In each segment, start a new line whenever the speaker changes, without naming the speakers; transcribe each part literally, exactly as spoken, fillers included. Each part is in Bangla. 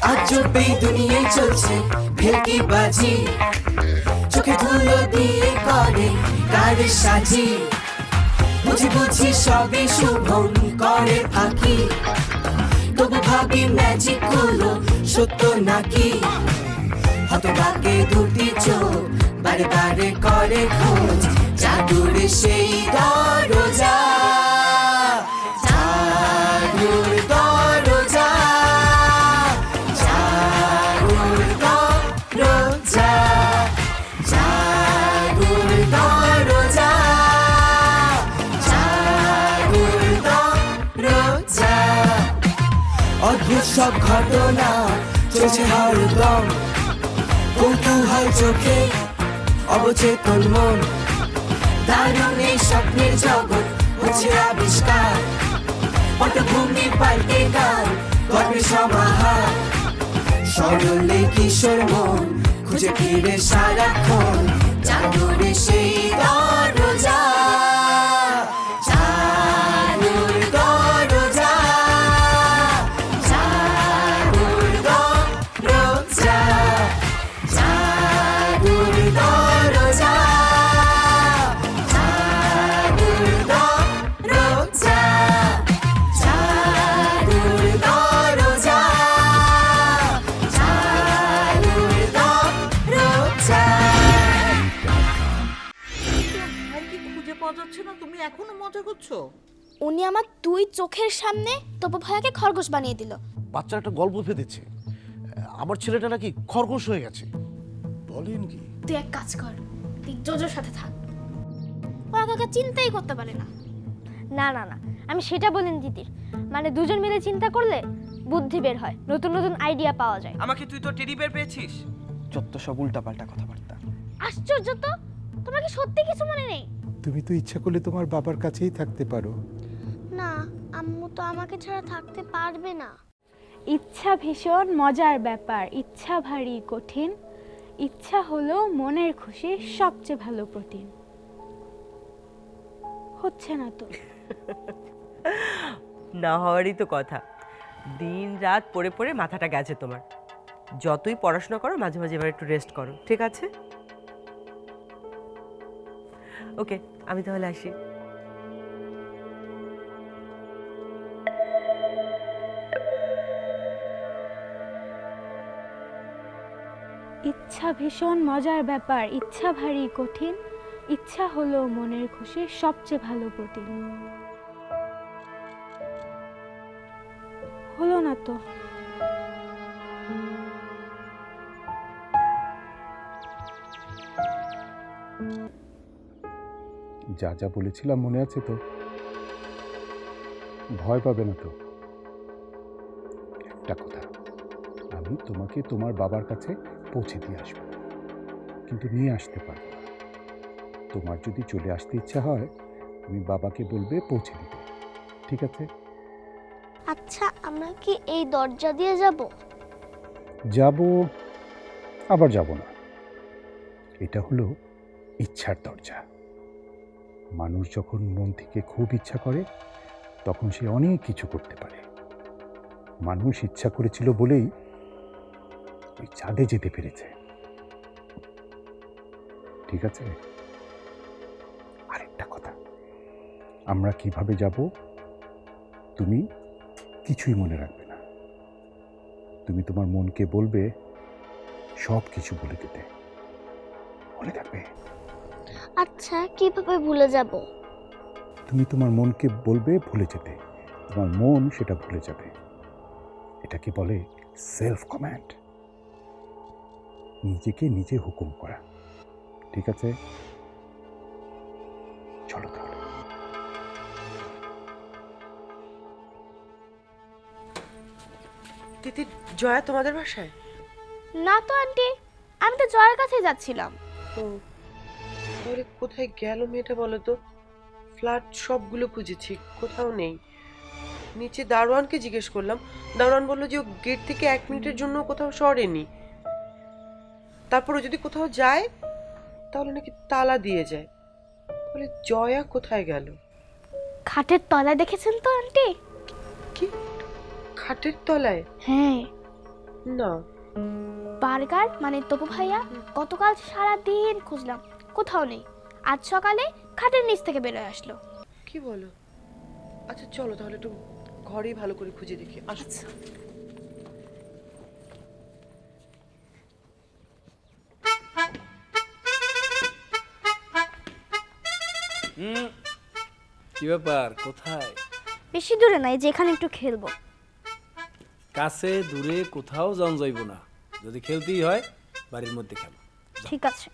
আজবেই দুনিয়ায় চলছে ভেলকি বাজি, চোখে ধুলো দিয়ে করে কারে সাজি, বুঝি বুঝি সবে শুভম করে ফাঁকি, তবু ভাবি ম্যাজিক গুলো সত্য নাকি, হতভাগে দুটি চোখ বারে বারে করে খোঁজ, জাদুর সেই দরজা, জাদুর দরজা, জাদুর দরজা, জাদুর দরজা, জাদুর দরজা। অদ্ভুত সব ঘটনা চলছে হরদম, কৌতূহল চোখে অবচেতন মন, দারুণ এই স্বপ্নের জগৎ হচ্ছে আবিষ্কার, পটভূমি পাল্টে গান গল্পের সমাহার, সরলে কিশোর মন খুঁজে ফিরে সারাক্ষণ জাদুর সেই দরজা, জাদুর দরজা, জাদুর দরজা, জাদুর দরজা, জাদুর দরজা, জাদুর দরজা, জাদুর দরজা।
আর কি খুঁজে পাওয়া যাচ্ছে না, তুমি এখনো মজা করছো?
উনি আমার দুই চোখের সামনে তপু ভাইয়াকে খরগোশ বানিয়ে দিল।
বাচ্চা একটা গল্প ফেঁদেছে, আমার ছেলেটা নাকি খরগোশ হয়ে গেছে। বলেন কি?
তুই এক কাজ কর, তুই জোজোর সাথে থাক, ওরা কাকা চিন্তাই করতে পারে না।
না না না, আমি সেটা বলিনি দিদির, মানে দুজন মিলে চিন্তা করলে বুদ্ধি বের হয়, নতুন নতুন আইডিয়া পাওয়া যায়।
আমাকে তুই তো টেডি বের পেয়েছিস?
যত সব উল্টাপাল্টা কথাবার্তা।
আশ্চর্য তো, তোমার কি সত্যি কিছু মনে নেই?
তুমি তো ইচ্ছা করলে তোমার বাবার কাছেই থাকতে পারো।
না, আম্মু তো আমাকে ছাড়া থাকতে পারবে না।
ইচ্ছা ভীষণ মজার ব্যাপার, ইচ্ছা ভারী কঠিন, ইচ্ছা হলো মনের খুশির সবচেয়ে ভালো প্রোটিন। হচ্ছে না তো?
না হওয়ারই তো কথা, দিন রাত পড়ে পড়ে মাথাটা গেছে তোমার। যতই পড়াশোনা করো মাঝে মাঝে এবার একটু রেস্ট করো, ঠিক আছে? ওকে, আমি তাহলে আসি।
ইচ্ছা ভীষণ মজার ব্যাপার, ইচ্ছা ভারী কঠিন, ইচ্ছা হলো মনের খুশির সবচেয়ে ভালো প্রোটিন। হলো না তো?
যা যা বলেছিলাম মনে আছে তো? ভয় পাবে না তো? একটা কথা, আমি তোমাকে তোমার বাবার কাছে পৌঁছে দিয়ে আসবো, কিন্তু নিয়ে আসতে পারবো না। তোমার যদি চলে আসতে ইচ্ছা হয় তুমি বাবাকে বলবে পৌঁছে দিতে, ঠিক আছে?
আচ্ছা, আমরা কি এই দরজা দিয়ে যাব?
যাব, আবার যাব না। এটা হলো ইচ্ছার দরজা। মানুষ যখন মন থেকে খুব ইচ্ছা করে তখন সে অনেক কিছু করতে পারে। মানুষ ইচ্ছা করেছিল বলেই ওই চাঁদে যেতে পেরেছে, ঠিক আছে? আরেকটা কথা, আমরা কিভাবে যাব তুমি কিছুই মনে রাখবে না। তুমি তোমার মনকে বলবে সব কিছু বলে দিতে, মনে থাকবে?
আচ্ছা, কিভাবে ভুলে যাব?
তুমি তোমার মনকে বলবে ভুলে যেতে, তোমার মন সেটা ভুলে যাবে। এটাকে বলে সেলফ কমান্ড, নিজেকে নিজে হুকুম করা, ঠিক আছে? চলো তাহলে।
তিতি, জয়া তোমাদের বাসায়?
না তো আন্টি, আমি তো জয়ের কাছে যাচ্ছিলাম।
ও, তাহলে কোথায় গেল মেয়েটা বলো তো? ফ্ল্যাট সবগুলো খুঁজেছি, কোথাও নেই। নিচে দারোয়ানকে জিজ্ঞেস করলাম, দারোয়ান বললো যে ও গেট থেকে এক মিনিটের জন্য কোথাও সরেনি। তারপর ও যদি কোথাও যায় তাহলে নাকি তালা দিয়ে যায়। বলে জয়া কোথায় গেল?
খাটের তলায় দেখেছেন তো আন্টি?
কি, খাটের তলায়?
হ্যাঁ,
না।
বার্গার মানে তপু ভাইয়া গতকাল সারা দিন খুঁজলাম, কোথাও নেই। আজ সকালে খাটের নিচ থেকে বেরোয় আসলো।
কি বলো? আচ্ছা চলো তাহলে একটু ঘরেই ভালো করে খুঁজে দেখি। আচ্ছা
হুম, কি ব্যাপার, কোথায়?
বেশি দূরে নাই, যেখানে একটু খেলবো।
কাছে দূরে কোথাও যাওয়া যাইব না, যদি খেলতেই হয় বাড়ির মধ্যে খেলো।
ঠিক আছে।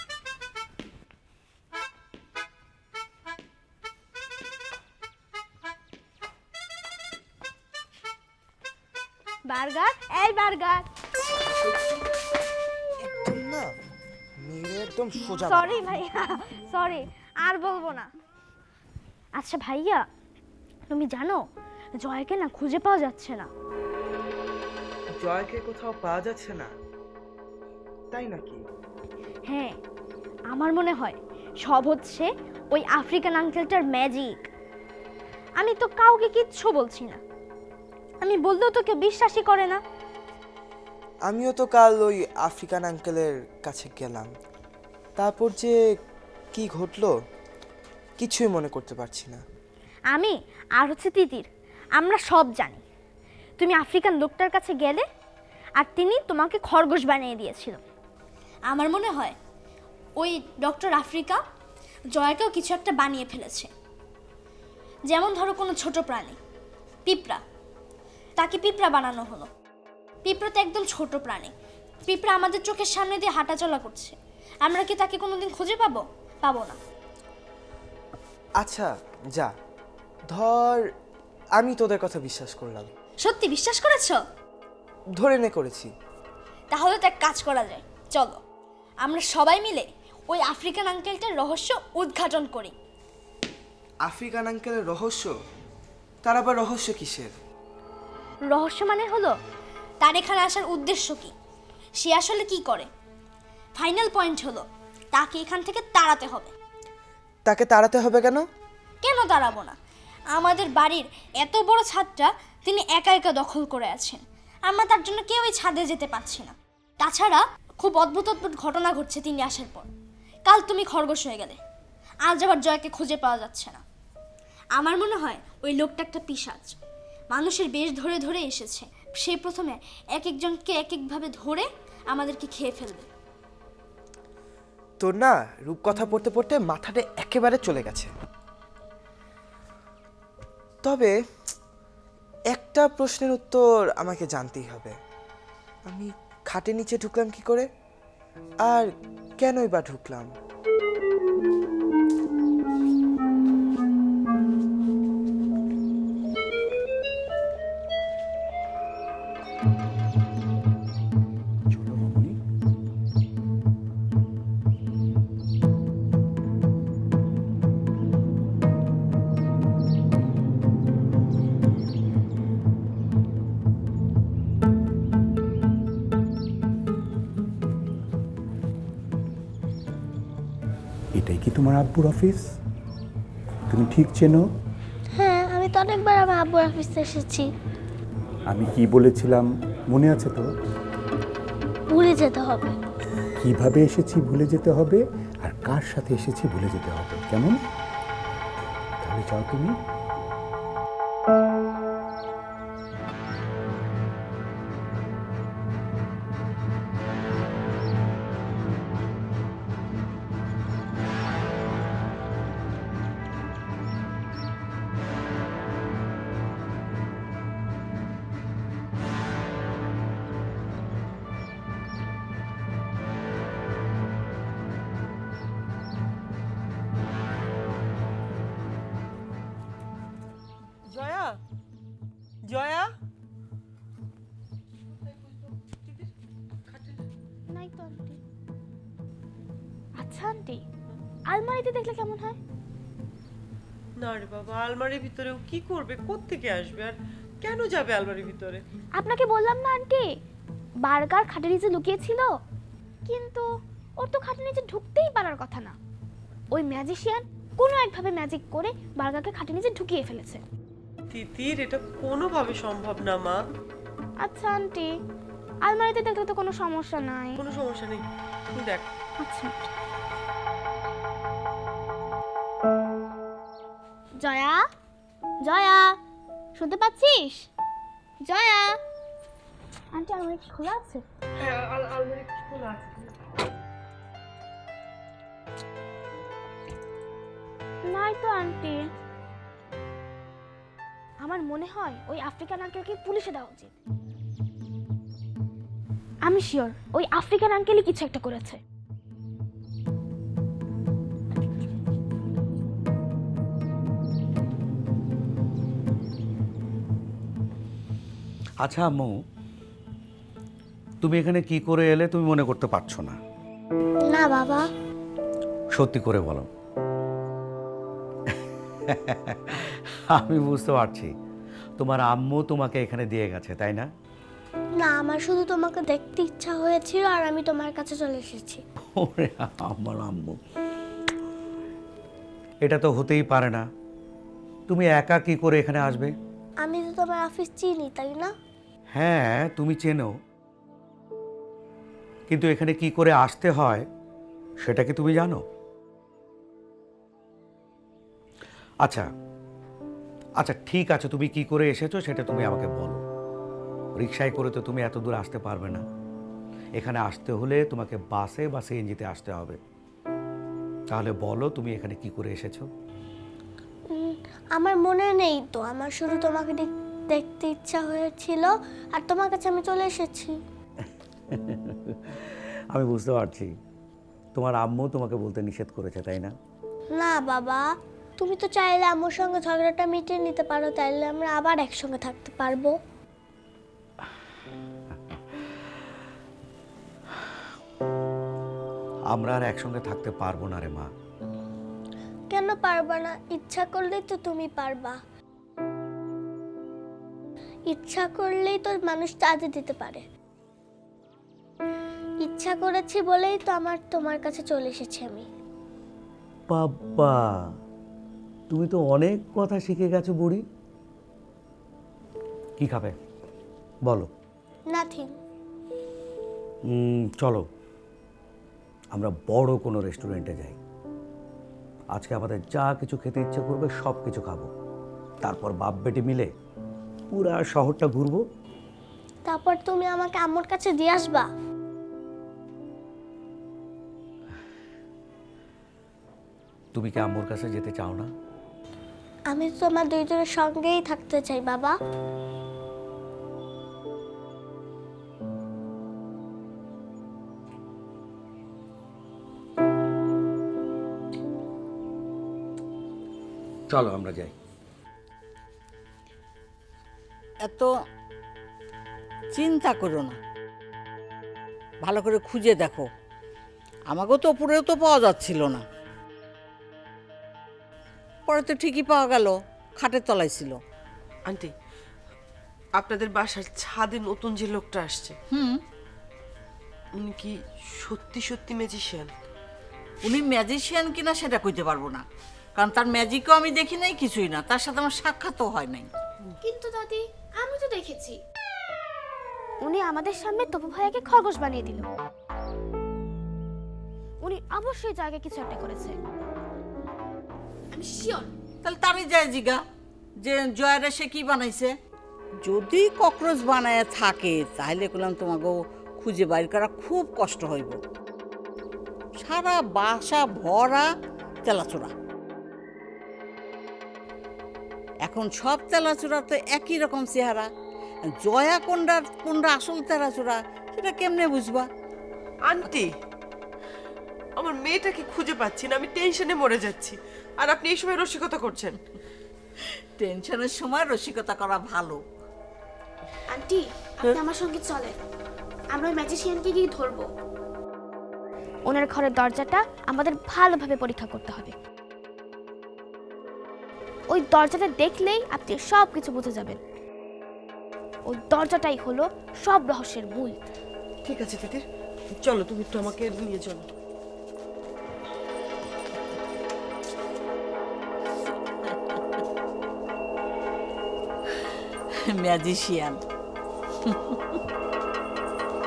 বার্গার, এই বার্গার।
একদম না মেরে একদম সোজা
সরি ভাইয়া, সরি, আর বলবো না। আচ্ছা ভাইয়া, তুমি জানো জয়কে না খুঁজে পাওয়া যাচ্ছে না।
জয়কে কোথাও পাওয়া যাচ্ছে না, তাই নাকি?
হ্যাঁ, আমার মনে হয় সব হচ্ছে ওই আফ্রিকান আঙ্কেলটার ম্যাজিক। আমি তো কাউকে কিচ্ছু বলছি না, আমি বললেও তো কেউ বিশ্বাসই করে না।
আমিও তো কাল ওই আফ্রিকান আঙ্কেলের কাছে গেলাম, তারপর যে কি ঘটলো কিছুই মনে করতে পারছি না।
আমি আর হচ্ছে তিতির, আমরা সব জানি। তুমি আফ্রিকান লোকটার কাছে গেলে আর তিনি তোমাকে খরগোশ বানিয়ে দিয়েছিল। আমার মনে হয় ওই ডক্টর আফ্রিকা জয়াকেও কিছু একটা বানিয়ে ফেলেছে। যেমন ধরো কোনো ছোট প্রাণী, পিঁপড়া, তাকে পিঁপড়া বানানো হলো। পিঁপড়া তো একদম ছোট প্রাণী, পিঁপড়া আমাদের চোখের সামনে দিয়ে হাঁটাচলা করছে, আমরা কি তাকে কোনোদিন খুঁজে পাবো? পাবো না।
আচ্ছা যা, ধর আমি তোদের কথা বিশ্বাস করলাম।
সত্যি বিশ্বাস করেছো?
ধরে নে করেছি।
তাহলে তো এক কাজ করা যায়, চলো আমরা সবাই মিলে ওই আফ্রিকান আঙ্কেলটার রহস্য উদ্ঘাটন করি।
আফ্রিকান আঙ্কেলের রহস্য? তার আবার রহস্য কিসের?
রহস্য মানে হলো তার এখানে আসার উদ্দেশ্য কি, সে আসলে কি করে। ফাইনাল পয়েন্ট হলো তাকে এখান থেকে তাড়াতে হবে।
তাকে তাড়াতে হবে কেন?
কেন তাড়াবো না, আমাদের বাড়ির এত বড় ছাদটা তিনি একা একা দখল করে আছেন, আমরা তার জন্য কেউই ছাদে যেতে পারছি না। তাছাড়া খুব অদ্ভুত অদ্ভুত ঘটনা ঘটছে তিনি আসার পর। কাল তুমি খরগোশ হয়ে গেলে, আজ আবার জয়কে খুঁজে পাওয়া যাচ্ছে না। আমার মনে হয় ওই লোকটা একটা পিশাচ, মানুষের বেশ ধরে ধরে এসেছে। সে প্রথমে এক একজনকে এক একভাবে ধরে আমাদেরকে খেয়ে ফেলবে।
তোর না রূপকথা পড়তে পড়তে মাথাটা একেবারে চলে গেছে। তবে একটা প্রশ্নের উত্তর আমাকে জানতেই হবে, আমি খাটের নিচে ঢুকলাম কি করে, আর কেনই বা ঢুকলাম?
চলো মামনি। এটাই কি তোমার আব্বুর অফিস? তুমি ঠিক চেনো?
হ্যাঁ, আমি তো অনেকবার আমার আব্বুর অফিসে এসেছি।
আমি কি বলেছিলাম মনে আছে তো?
ভুলে যেতে হবে।
কিভাবে এসেছি ভুলে যেতে হবে, আর কার সাথে এসেছি ভুলে যেতে হবে, কেমন? তাহলে যাও তুমি।
জয়া, জয়া,
নাই তো আন্টি। আচ্ছা আন্টি, আলমারিতে দেখলে কেমন হয়?
না রে বাবা, আলমারির ভিতরেও কি করবে, কোত্থেকে আসবে, আর কেন যাবে আলমারির ভিতরে?
আপনাকে বললাম না আন্টি, বার্গার খাটের নিচে লুকিয়েছিল, কিন্তু ওর তো খাটের নিচে ঢুকতেই পারার কথা না। ওই ম্যাজিশিয়ান কোনো একভাবে ম্যাজিক করে বার্গারকে খাটের নিচে ঢুকিয়ে ফেলেছে।
তিতির, এটা কোনোভাবে সম্ভব না মা।
আচ্ছা আন্টি,
আলমারিতে দেখলে তো কোনো সমস্যা নাই।
কোনো সমস্যা নেই, তুই দেখ।
আচ্ছা।
জয়া, জয়া, শুনতে পাচ্ছিস? জয়া, আন্টি আলমারি কি খোলা আছে?
হ্যাঁ, আল- আলমারি খোলা আছে।
নাই তো আন্টি।
আমার মনে হয় ওই আফ্রিকান আঙ্কেলকে পুলিশে দেওয়া উচিত।
আমি শিওর ওই আফ্রিকান আঙ্কেলই কিছু একটা করেছে।
আচ্ছা আম্মু, তুমি এখানে কি করে এলে তুমি মনে করতে পারছো না?
না বাবা।
সত্যি করে বলো। আমি বুঝতে পারছি তোমার আম্মু তোমাকে এখানে দিয়ে গেছে, তাই না?
না, আমার শুধু তোমাকে দেখতে ইচ্ছা হয়েছিল আর আমি তোমার কাছে চলে এসেছি।
ওরে আমার আম্মু, এটা তো হতেই পারে না। তুমি একা কি করে এখানে আসবে?
আমি তো তোমার অফিস চিনি, তাই না?
হ্যাঁ, তুমি চেনো, কিন্তু এখানে কি করে আসতে হয় সেটা কি তুমি জানো? আচ্ছা আচ্ছা ঠিক আছে, তুমি কি করে এসেছো সেটা তুমি আমাকে বলো। রিকশায় করে তো তুমি এত দূর আসতে পারবে না। এখানে আসতে হলে তোমাকে বাসে বা সিএনজিতে আসতে হবে। তাহলে বলো তুমি এখানে কি করে এসেছো?
উম, আমার মনে নেই তো, আমার শুধু তোমাকে দেখ- দেখতে ইচ্ছা হয়েছিল আর তোমার কাছে আমি চলে এসেছি।
আমি বুঝতে পারছি তোমার আম্মু তোমাকে বলতে নিষেধ করেছে, তাই না?
না বাবা, তুমি তো চাইলে আম্মুর সঙ্গে ঝগড়াটা মিটিয়ে নিতে পারো, তাইলে আমরা আবার একসঙ্গে থাকতে পারবো।
আমরা আর একসঙ্গে থাকতে পারবো না রে মা।
কেন পারবা না? ইচ্ছা করলেই তো তুমি পারবা। ইচ্ছা করলেই তো মানুষ চাঁদে দিতে পারে। ইচ্ছা করেছি বলেই তো আমার তোমার কাছে চলে এসেছি আমি।
বাবা, তুমি তো অনেক কথা শিখে গেছো বুড়ি। কি খাবে বলো?
নাথিং।
উম, চলো আমরা বড় কোনো রেস্টুরেন্টে যাই। আজকে আমাদের যা কিছু খেতে ইচ্ছে করবে সব কিছু খাবো, তারপর বাপ বেটি মিলে পুরা শহরটা ঘুরবো।
তারপর তুমি আমাকে আম্মুর কাছে দিয়ে আসবা।
তুমি কি আম্মুর কাছে যেতে চাও না?
আমি তো তোমার দুইজনের সঙ্গেই থাকতে চাই বাবা।
চলো আমরা যাই।
এত চিন্তা করো না, ভালো করে খুঁজে দেখো। আমাকেও তো উপরেও তো পাওয়া যাচ্ছিল না, পরে তো ঠিকই পাওয়া গেল, খাটের তলায় ছিল।
আন্টি, আপনাদের বাসার ছাদে নতুন যে লোকটা আসছে,
হুম,
উনি কি সত্যি সত্যি ম্যাজিশিয়ান?
উনি ম্যাজিশিয়ান কিনা সেটা কইতে পারবো না, কারণ তার ম্যাজিকও আমি দেখি নাই, কিছুই না, তার সাথে আমার সাক্ষাৎও হয় নাই।
কিন্তু দাদি, আমি তো দেখেছি উনি আমাদের সামনে তপু ভাইয়াকে খরগোশ বানিয়ে দিল। উনি অবশ্যই জায়গায় কিছু একটা করেছে, আমি শিওর।
তাহলে তারই যায় জিগা যে জয়ারে সে কি বানাইছে। যদি ককরোচ বানায় থাকে তাহলে বললাম তোমাকে খুঁজে বাইর করা খুব কষ্ট হইব। সারা বাসা ভরা তেলাচোরা, এখন সব তেলাচোরা তো একই রকম চেহারা। জয়া কোনটা কোনটা আসল তেলাচোরা সেটা কেমনে বুঝবা?
আন্টি, আমার মেয়েটাকে খুঁজে পাচ্ছি না, আমি টেনশনে মরে যাচ্ছি, আর আপনি এই সময় রসিকতা করছেন।
টেনশনের সময় রসিকতা করা ভালো।
আন্টি, আপনি আমার সঙ্গে চলেন, আমরা ওই ম্যাজিশিয়ানকে গিয়ে ধরবো। ওনার ঘরের দরজাটা আমাদের ভালোভাবে পরীক্ষা করতে হবে। ওই দরজাটা দেখলেই আপনি সব কিছু বুঝে যাবেন। ওই দরজাটাই হলো সব রহস্যের মূল।
ঠিক আছে তিতির, চলো তুমি একটু আমাকে নিয়ে চলো।
ম্যাজিশিয়ান।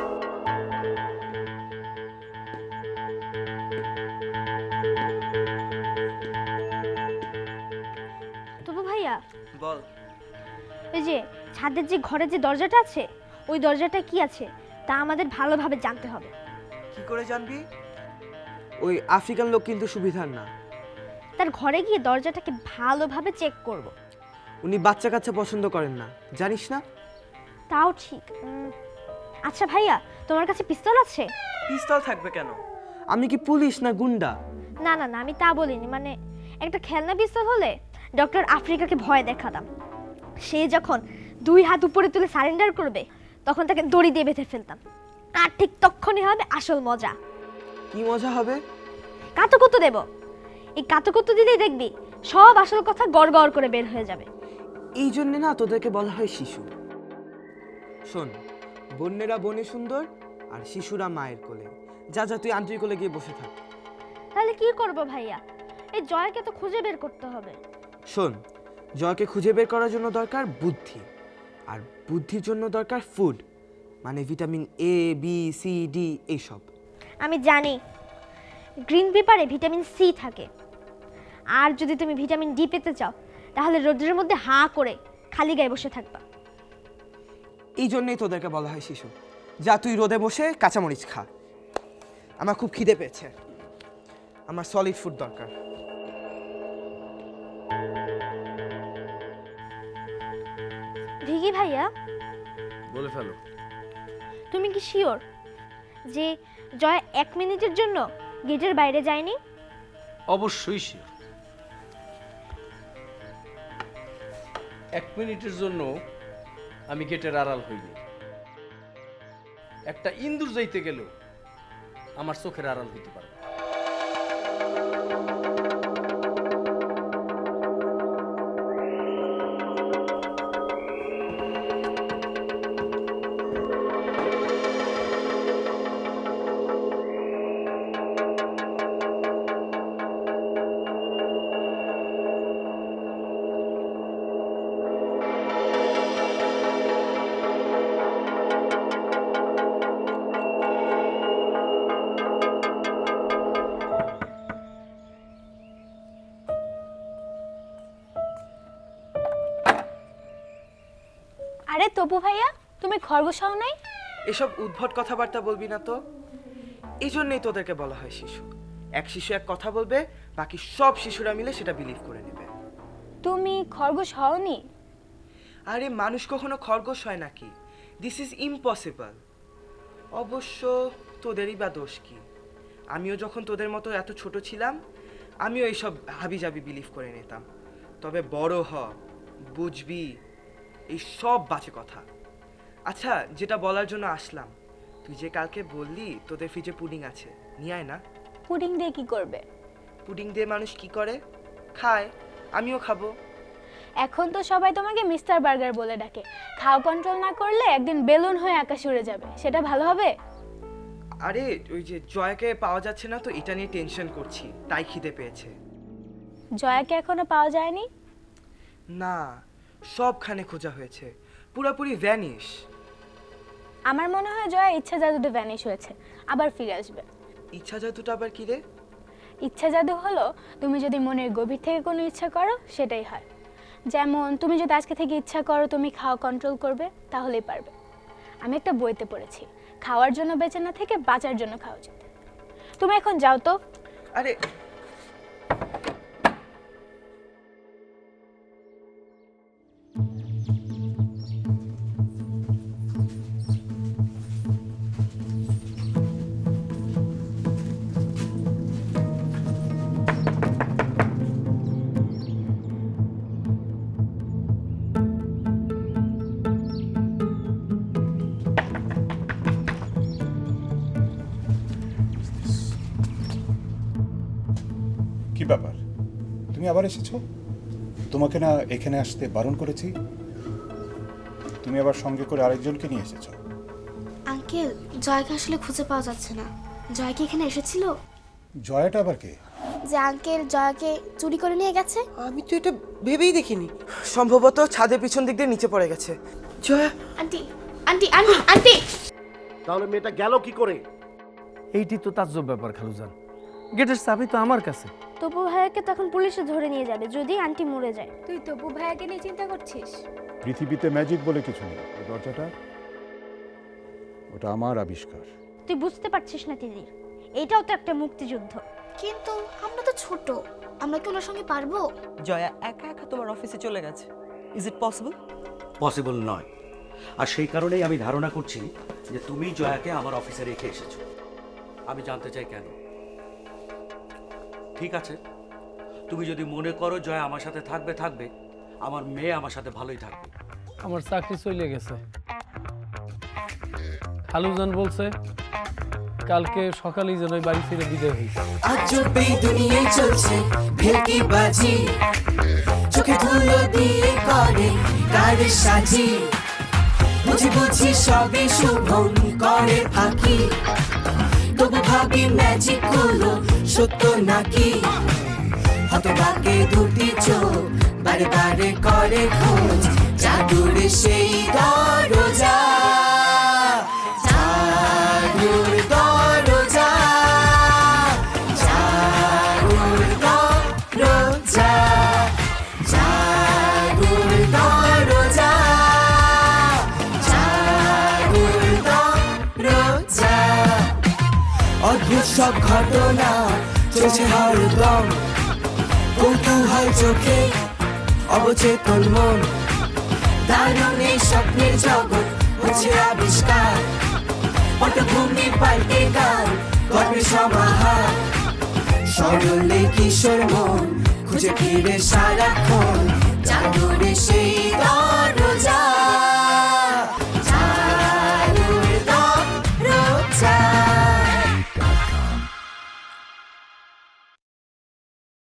ছাদের যে ঘরে যে দরজাটা আছে ওই দরজাটা কি আছে তা আমাদের ভালোভাবে জানতে হবে।
কি করে জানবি? ওই আফ্রিকান লোক কিন্তু সুবিধার না।
তার ঘরে গিয়ে দরজাটাকে ভালোভাবে চেক করব।
উনি বাচ্চা কাচ্চা পছন্দ করেন না, জানিস না?
তাও ঠিক। উম, আচ্ছা ভাইয়া, তোমার কাছে পিস্তল আছে?
পিস্তল থাকবে কেন? আমি কি পুলিশ না গুন্ডা?
না না না, আমি তা বলিনি, মানে একটা খেলনা পিস্তল হলে ডক্টর আফ্রিকাকে ভয় দেখাতাম। সে যখন দুই হাত উপরে তুলে সারেন্ডার করবে তখন তাকে দড়ি দিয়ে বেঁধে ফেলতাম। আর ঠিক তখনই হবে আসল মজা।
কি মজা হবে?
কাতুকুতু দেব। এই কাতুকুতু দিলেই দেখবি সব আসল কথা গড় গড় করে বের হয়ে যাবে।
এই জন্য না তোদেরকে বলা হয় শিশু। শোন, বন্যেরা বনে সুন্দর আর শিশুরা মায়ের কোলে। যা যা তুই আন্টির কোলে গিয়ে বসে থাক।
তাহলে কি করব ভাইয়া? এই জয়কে তো খুঁজে বের করতে হবে।
শোন, জয়কে খুঁজে বের করার জন্য দরকার বুদ্ধি, আর বুদ্ধির জন্য দরকার ফুড, মানে vitamin A B C D এইসব।
আমি জানি গ্রিন পেপারে ভিটামিন সি থাকে, আর যদি তুমি ভিটামিন ডি পেতে চাও তাহলে রোদের মধ্যে হাঁ করে খালি গায়ে বসে থাকবা।
এই জন্যই তোদেরকে বলা হয় শিশু। যা তুই রোদে বসে কাঁচামরিচ খা। আমার খুব খিদে পেয়েছে, আমার সলিড ফুড দরকার।
ভিকি ভাইয়া,
বলে ফেলো।
তুমি কি শিওর যে জয় এক মিনিটের জন্য গেটের বাইরে যায়নি?
অবশ্যই শিওর। এক মিনিটের জন্য আমি গেটের আড়াল হইনি। একটা ইন্দুর যাইতে গেলেও আমার চোখের আড়াল হইতে পারে।
আরে তপু ভাইয়া, তুমি খরগোশ হও নাই?
এসব উদ্ভট কথাবার্তা বলবি না তো। এই জন্যই তোদেরকে বলা হয় শিশু। এক শিশু এক কথা বলবে, বাকি সব শিশুরা মিলে সেটা বিলিভ করে নেবে।
তুমি খরগোশ হওনি?
আরে মানুষ কখনো খরগোশ হয় নাকি? This is impossible. অবশ্য তোদেরই বা দোষ কি? আমিও যখন তোদের মতো এত ছোট ছিলাম আমিও এইসব হাবিজাবি বিলিভ করে নিতাম। তবে বড় হ, বুঝবি এই সব বাজে কথা। আচ্ছা, যেটা বলার জন্য আসলাম, তুই যে কালকে বললি তোদের ফ্রিজে পুডিং আছে, নিয়ে আয় না।
পুডিং দিয়ে কি করবে?
পুডিং দিয়ে মানুষ কি করে? খায়, আমিও খাবো।
এখন তো সবাই তোমাকে মিস্টার বার্গার বলে ডাকে। খাও কন্ট্রোল না করলে একদিন বেলুন হয়ে আকাশে উড়ে যাবে, সেটা ভালো হবে?
আরে ওই যে জয়াকে পাওয়া যাচ্ছে না তো, এটা নিয়ে টেনশন করছি, তাই খিদে পেয়েছে।
জয়াকে এখনো পাওয়া যায়নি?
না, সবখানে খোঁজা হয়েছে, পুরোপুরি ভ্যানিশ।
আমার মনে হয় জয়া ইচ্ছা জাদুতে ভ্যানিশ হয়েছে, আবার ফিরে আসবে।
ইচ্ছা জাদুটা আবার কি রে?
ইচ্ছা জাদু হলো তুমি যদি মনের গভীর থেকে কোনো ইচ্ছা করো সেটাই হয়। যেমন তুমি যদি আজকে থেকে ইচ্ছা করো তুমি খাওয়া কন্ট্রোল করবে, তাহলেই পারবে। আমি একটা বইতে পড়েছি, খাওয়ার জন্য বেঁচে না থেকে বাঁচার জন্য খাওয়া উচিত। তুমি এখন যাও তো।
আরে
কি ব্যাপার, তুমি আবার এসেছো? তোমাকে না এখানে আসতে বারণ করেছি? তুমি আবার সঙ্গে করে আরেকজনকে নিয়ে এসেছো।
আঙ্কেল, জয়কে আসলে খুঁজে পাওয়া যাচ্ছে না। জয় কি এখানে এসেছিল?
জয়াটা আবার কে?
যে আঙ্কেল জয়কে চুরি করে নিয়ে গেছে।
আমি তো এটা ভেবেই দেখিনি। সম্ভবত ছাদের পিছন দিক দিয়ে নিচে পড়ে গেছে। Jaya,
aunty aunty aunty aunty
তাহলে মেয়েটা গেল কি করে?
এইটি তো তাজ্জব ব্যাপার খালুজান, গেটের চাবি তো আমার কাছে।
তপু ভাইয়াকে তখন পুলিশে ধরে নিয়ে যাবে যদি আন্টি মরে যায়।
তুই তপু ভাইয়াকে নিয়ে চিন্তা করছিস?
পৃথিবীতে ম্যাজিক বলে কিছু নেই। ওই দরজাটা ওটা আমার আবিষ্কার।
তুই বুঝতে পারছিস না তিতির, এটাও তো একটা মুক্তিযুদ্ধ।
কিন্তু আমরা তো ছোট, আমরা কি ওনার সঙ্গে পারবো?
জয়া একা একা তোমার অফিসে চলে গেছে, ইজ ইট পসিবল?
পসিবল নয়। আর সেই কারণেই আমি ধারণা করছি যে তুমি জয়াকে আমার অফিসে রেখে এসেছো। আমি জানতে চাই কেন। ঠিক আছে, তুমি যদি মনে করো জয়া আমার সাথে থাকবে থাকবে আমার মেয়ে আমার সাথে ভালোই থাকবে।
আমার চাকরি চলে গেছে। খালুজান বলছে কালকে সকালেই যেন ওই বাড়ি ছেড়ে বিদায় হয়েছে।
আজ এই দুনিয়ায় চলছে ভেলকি বাজি, চোখে ধুলো দিয়ে করে গাড়ি সাজি, বুঝি বুঝি সবে শুভম করে ফাঁকি, তবু ভাবি ম্যাজিক গুলো সত্য নাকি, হতভাগে দুটি চোখ বারে বারে করে খোঁজ জাদুর সেই দরজা, জাদুর দরজা, জাদুর দরজা, জাদুর দরজা, জাদুর দরজা। অদ্ভুত সব ঘটনা চলছে হরদম, কৌতূহল চোখে অবচেতন মন, দারুণ এই স্বপ্নের জগৎ হচ্ছে আবিষ্কার, পটভূমি পাল্টে গান গল্পের সমাহার, সরলে কিশোর মন খুঁজে ফিরে সারাক্ষণ জাদুর সেই